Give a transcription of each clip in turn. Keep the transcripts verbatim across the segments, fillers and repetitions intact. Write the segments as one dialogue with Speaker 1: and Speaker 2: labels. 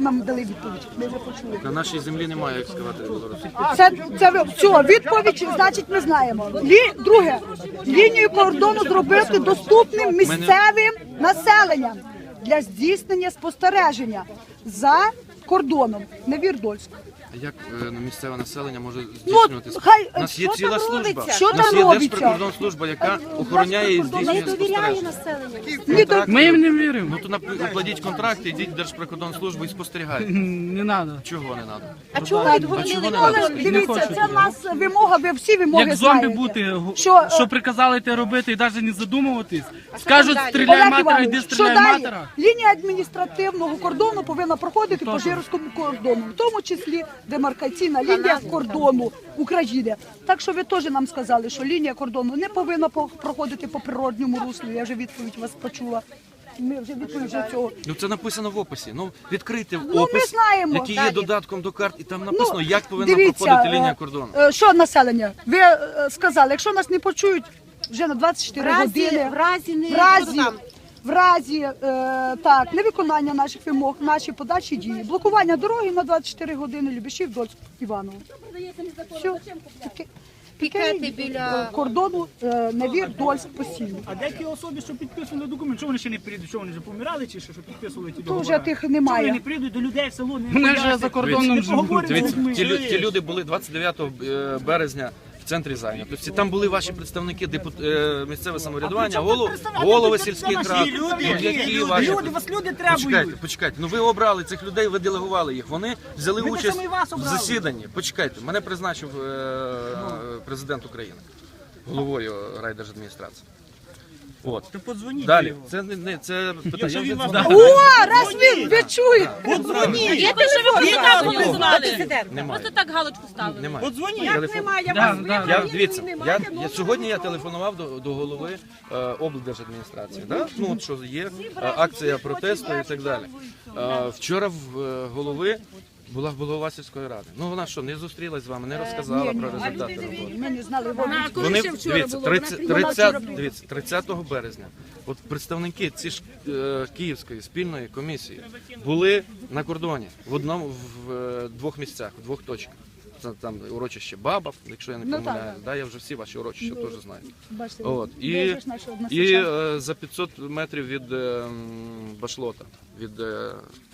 Speaker 1: нам дали відповідь. Ми вже почули.
Speaker 2: На нашій землі немає екскаваторів білорусів.
Speaker 1: Це, це ви- все, відповідь, значить, ми знаємо. Лі, друге, лінію кордону зробити доступним місцевим населенням для здійснення спостереження за кордоном, не Вірдольськ.
Speaker 2: А як е, ну, місцеве населення може
Speaker 1: Ну,
Speaker 2: здійснювати?
Speaker 1: хай,
Speaker 2: У нас є
Speaker 1: що
Speaker 2: ціла
Speaker 1: там
Speaker 2: служба.
Speaker 1: робиться? Що
Speaker 2: У нас
Speaker 1: там
Speaker 2: є
Speaker 1: робиться?
Speaker 2: Держприкордонслужба, яка охороняє і здійснює спостереження.
Speaker 1: Ні, то-
Speaker 3: Ми їм не віримо.
Speaker 2: Ну то нап- укладіть контракт, ідіть в Держприкордонслужбу і спостерігайте.
Speaker 3: Не треба.
Speaker 2: Чого не треба?
Speaker 4: А чого
Speaker 1: Так,
Speaker 4: відгородили
Speaker 2: чого не
Speaker 1: але
Speaker 2: надо?
Speaker 1: ж дивіться, це в нас вимога, ви всі вимоги
Speaker 3: Як зомбі
Speaker 1: знаєте.
Speaker 3: бути, го-
Speaker 1: Що,
Speaker 3: що
Speaker 1: е,
Speaker 3: приказали те робити і навіть не задумуватись. Скажуть,
Speaker 4: далі?
Speaker 3: стріляй
Speaker 1: Олег
Speaker 3: матера,
Speaker 1: Іванович,
Speaker 3: йди
Speaker 1: що
Speaker 3: стріляй
Speaker 1: далі?
Speaker 3: матера.
Speaker 1: Лінія адміністративного кордону повинна проходити по Жирському кордону, в тому числі демаркаційна лінія кордону України. Так що ви теж нам сказали, що лінія кордону не повинна по- проходити по природньому руслу. Я вже відповідь вас почула. Ми вже відповідь вже цього.
Speaker 2: Ну це написано в описі. Ну відкрийте
Speaker 1: ми
Speaker 2: опис,
Speaker 1: знаємо.
Speaker 2: який є
Speaker 4: Далі.
Speaker 2: додатком до карт, і там написано, як повинна
Speaker 1: Ну, дивіться,
Speaker 2: проходити лінія
Speaker 1: е,
Speaker 2: кордону.
Speaker 1: е, Що населення? Ви е, сказали, якщо нас не почують вже на двадцять чотири
Speaker 4: В разі,
Speaker 1: години,
Speaker 4: в разі не
Speaker 1: в разі,
Speaker 4: там.
Speaker 1: в разі е, так, невиконання наших вимог, наші подальші дії, блокування дороги на двадцять чотири години, Любішів, Дольськ, Іваново. Все. Таке-
Speaker 4: Пікети
Speaker 1: таке,
Speaker 4: біля-
Speaker 1: е, кордону е, Невір, Дольськ постійно.
Speaker 5: А де ті особи, що підписували документ, що вони ще не прийдуть? Що вони вже помирали чи що, що підписували ті
Speaker 1: То
Speaker 5: договори?
Speaker 1: вже тих
Speaker 5: Чому вони
Speaker 1: немає.
Speaker 5: не прийдуть до людей в село, не
Speaker 3: Вони вже
Speaker 5: пояснять?
Speaker 3: за кордоном
Speaker 5: Не
Speaker 3: живуть.
Speaker 5: поговорять з
Speaker 2: Дивіться,
Speaker 5: людьми.
Speaker 2: ті, лю- ті люди були двадцять дев'ятого е, березня в центрі зайнятості. Там були ваші представники депут... е, місцеве самоврядування, голов... голови сільських рад.
Speaker 5: Люди,
Speaker 2: Ну, які
Speaker 5: люди,
Speaker 2: ваші-
Speaker 5: люди, вас люди
Speaker 2: Почекайте,
Speaker 5: требують.
Speaker 2: почекайте. Ну ви обрали цих людей, ви делегували їх. Вони взяли
Speaker 5: Ми так
Speaker 2: участь
Speaker 5: само і вас
Speaker 2: в
Speaker 5: обрали.
Speaker 2: засіданні. Почекайте, мене призначив е, президент України головою райдержадміністрації. От.
Speaker 5: То подзвоніть.
Speaker 2: Далі, це не, не це питання.
Speaker 5: Якщо
Speaker 2: Я
Speaker 5: він
Speaker 2: вже
Speaker 5: вас
Speaker 2: дзвонив.
Speaker 1: О, раз ви, ви чуєте!
Speaker 4: Я те, що ви
Speaker 2: Немає.
Speaker 4: президента.
Speaker 2: Немає.
Speaker 4: Просто так галочку ставили.
Speaker 2: Немає.
Speaker 5: Подзвоніть.
Speaker 2: Телефон.
Speaker 3: Да, да.
Speaker 2: Я дивіться, я, я сьогодні я телефонував до, до голови е, облдержадміністрації. Да? Ну от що є е, акція протесту і так далі. Е, вчора в е, голови була голова сільської ради. Ну вона що, не зустрілась з вами, не розказала про результати роботи.
Speaker 1: Ми не знали, вони
Speaker 2: Вони дивіться, тридцять, тридцять, дивіться, тридцятого березня. От представники ці ж е, Київської спільної комісії були на кордоні в одному в е, двох місцях, в двох точках. Це там урочище Бабов, якщо я не
Speaker 1: Ну,
Speaker 2: помиляюсь.
Speaker 1: так,
Speaker 2: Да, я вже всі ваші урочища теж знаю.
Speaker 1: бачите,
Speaker 2: От
Speaker 1: ви
Speaker 2: і,
Speaker 1: вже ж наші
Speaker 2: і
Speaker 1: односельчани.
Speaker 2: е, за п'ятсот метрів від е, м, Башлота, від, е,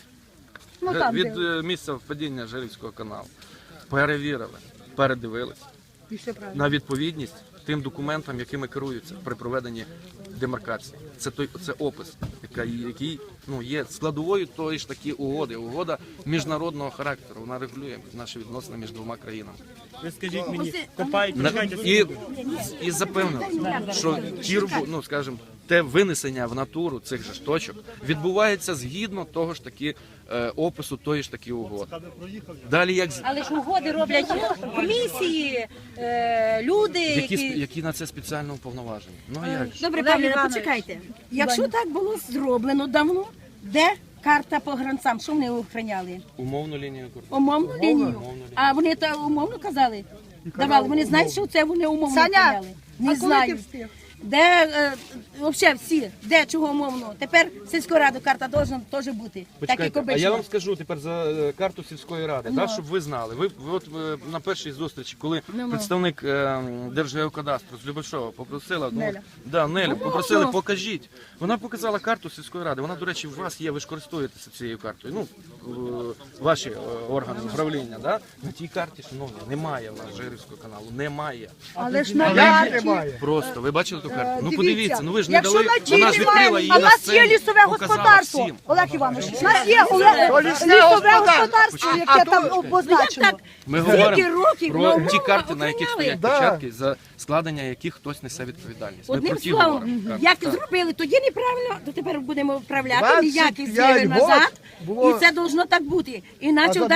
Speaker 1: Ну,
Speaker 2: ге-
Speaker 1: там,
Speaker 2: від
Speaker 1: де.
Speaker 2: е, місця впадіння Жарівського каналу. Перевірили, передивились
Speaker 1: І все правильно.
Speaker 2: на відповідність тим документам, якими керуються при проведенні демаркації. Це той це опис, який, який ну є складовою тої ж такі угоди. Угода міжнародного характеру. Вона регулює наші відносини між двома країнами.
Speaker 5: Ви скажіть мені, копають,
Speaker 2: На-
Speaker 5: чекайте.
Speaker 2: і, і запевнили, що ті робо- ну скажімо, те винесення в натуру цих же ж точок відбувається згідно того ж таки е, опису тої ж таки угоди. Далі як з-
Speaker 4: Але ж угоди роблять комісії, е, люди,
Speaker 2: які, сп-
Speaker 4: які...
Speaker 2: які на це спеціально уповноважені. Ну а як же?
Speaker 6: Добре,
Speaker 4: Олег
Speaker 6: пане,
Speaker 4: Іванович.
Speaker 6: почекайте. Якщо так було зроблено давно, де карта по гранцам? Що вони охороняли?
Speaker 2: Умовну лінію кордону.
Speaker 6: Умовну лінію. А вони то умовно казали? Давали. Вони знають, що це вони умовно
Speaker 1: Саня,
Speaker 6: охороняли?
Speaker 1: а
Speaker 6: Не
Speaker 1: коли ти
Speaker 6: знаю.
Speaker 1: встиг?
Speaker 6: Де е, взагалі всі, де чого умовно? Тепер сільської ради карта должна теж бути. Так як
Speaker 2: Почекайте, а
Speaker 6: обично.
Speaker 2: я вам скажу тепер за е, карту сільської ради, да, щоб ви знали. Ви, ви от е, на першій зустрічі, коли представник е, Держгеокадастру з Любешова попросила, ну,
Speaker 1: Неля.
Speaker 2: да, Нелю, попросили, покажіть. Вона показала карту сільської ради. Вона, до речі, у вас є, ви ж користуєтеся цією картою. Ну, е, ваші е, органи управління, да? На тій карті, шановні, немає в нас Жирівського каналу, немає.
Speaker 1: Але ж на карті.
Speaker 2: Просто, ви бачили ту карту? Ну
Speaker 1: Дивіться,
Speaker 2: подивіться, ну ви ж не
Speaker 1: якщо
Speaker 2: дали,
Speaker 1: на тій
Speaker 2: вона ж відкрила
Speaker 1: немає,
Speaker 2: її
Speaker 1: а в
Speaker 2: на
Speaker 1: нас є
Speaker 2: сцені,
Speaker 1: лісове
Speaker 2: показала
Speaker 1: господарство.
Speaker 2: всім.
Speaker 1: Олег Іванович, у нас є Олег- лісове господарство, яке там обозначено.
Speaker 2: Ми
Speaker 6: Скільки
Speaker 2: говоримо
Speaker 6: років
Speaker 2: про
Speaker 6: нового
Speaker 2: ті карти, на яких
Speaker 6: охороняли?
Speaker 2: стоять печатки, за складення яких хтось несе відповідальність. Ми
Speaker 6: Одним
Speaker 2: про ті
Speaker 6: словом,
Speaker 2: говоримо.
Speaker 6: як
Speaker 2: Так.
Speaker 6: зробили тоді неправильно, то тепер будемо вправляти
Speaker 7: двадцять
Speaker 6: ніяких
Speaker 7: п'ять
Speaker 6: змін
Speaker 7: год
Speaker 6: назад.
Speaker 7: було-
Speaker 6: І це должно так бути. Іначе
Speaker 7: А за